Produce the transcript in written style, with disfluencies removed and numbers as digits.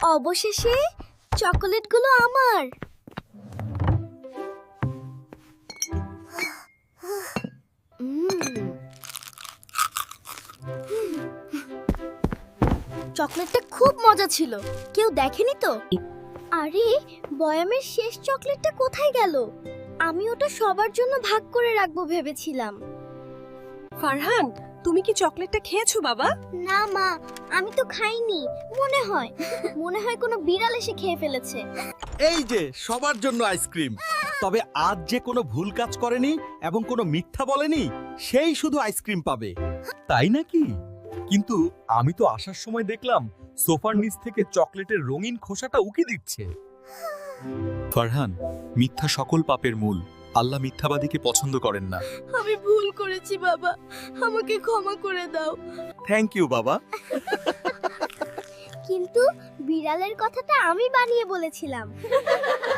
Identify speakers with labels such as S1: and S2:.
S1: অবশেষে চকোলেটগুলো আমার। চকলেটটা খুব মজা ছিল। কেউ দেখেনি তো? আরে, বয়ামের শেষ চকলেটটা কোথায় গেল? আমি ওটা সবার জন্য ভাগ করে রাখবো ভেবেছিলাম।
S2: ফারহান, তুমি কি চকলেটটা খেয়েছো বাবা?
S1: না মা, আমি তো খাইনি। মনে হয় কোনো বিড়াল এসে খেয়ে ফেলেছে।
S3: এই যে সবার জন্য আইসক্রিম। তবে আজ যে কোনো ভুল কাজ করেনি এবং কোনো মিথ্যা বলেনি, সেই শুধু আইসক্রিম পাবে। তাই নাকি? কিন্তু আমি তো আসার সময় দেখলাম সোফার নিচ থেকে চকলেটের রঙিন খোসাটা উকি দিচ্ছে। ফারহান, মিথ্যা সকল পাপের মূল। আল্লাহ মিথ্যাবাদীকে পছন্দ করেন না।
S2: আমি ভুল করেছি বাবা, আমাকে ক্ষমা করে দাও।
S3: থ্যাংক ইউ বাবা।
S1: কিন্তু বিড়ালের কথাটা আমি বানিয়ে বলেছিলাম।